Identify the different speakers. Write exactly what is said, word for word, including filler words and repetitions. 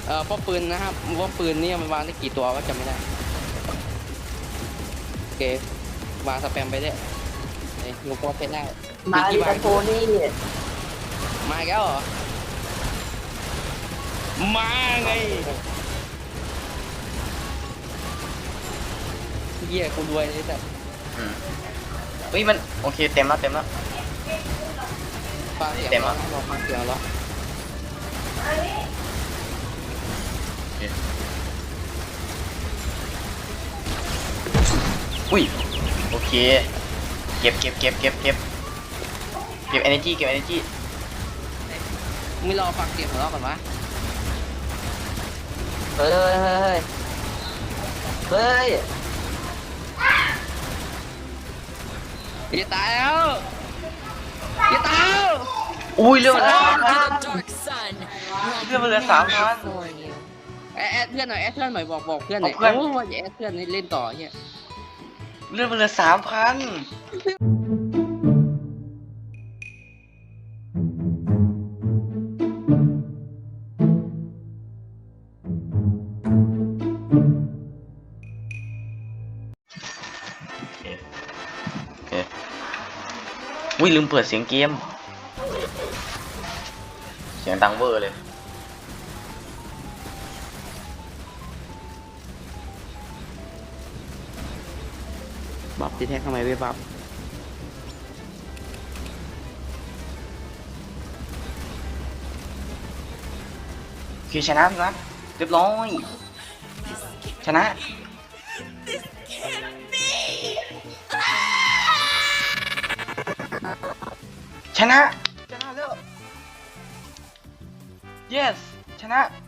Speaker 1: เอ่อป้อมปืนนะครับป้อมปืนนี่มันวางได้กี่ตัวก็จำไม่ได้โอเควางสแปมไปเรื่อยเอ้ยลูกป้อมเพชรได้
Speaker 2: มาดิ
Speaker 1: กี่
Speaker 2: ตาโทนี่
Speaker 1: มาอีกแล้วเหรอมาไงเหี้ยกูรวยเลยแต่
Speaker 3: อืมเฮ้ยมันโอเคเต็มแล้วเต็มแล้ว
Speaker 1: ฟังเสียง
Speaker 3: เต็ม
Speaker 1: แล้
Speaker 3: แล้ว ว
Speaker 1: เราฟังเสียงแล้ว
Speaker 3: อุ้ยโอเคเก็บเก็บเก็บเก็บเก็บเก็บ energy เก็บ energy
Speaker 1: ไม่รอฟังเสียงของเราก่อนวะ
Speaker 2: เฮ้ยเฮ้ยเฮ้ย
Speaker 1: อย่าตายแล้วอย่าตายแล้ว
Speaker 3: อุ้ยเรื่องมันเหลือสาม
Speaker 4: Welcome
Speaker 3: พัน
Speaker 4: to the dark sun.
Speaker 3: เรื่องมันเหลือสามพัน
Speaker 4: For you.
Speaker 1: แอดแอดเพื่อนหน่อยแอดเพื่อนหน่อยบอกบอกเพื่อนหน่อย
Speaker 3: เอาเพื่อน
Speaker 1: โอ้ยอย่าแอดเพื่อนนี่เล่นต่อเฮีย
Speaker 3: เรื่องมันเหลือสามพันอุ้ยลืมเปิดเสียงเกมเสียงดังเวอร์เลย
Speaker 1: บัฟตีแท็กทำไมไม่บัฟ
Speaker 3: คือชนะพี่วะเรียบร้อยชนะชนะชนะแล้ว yes ชนะ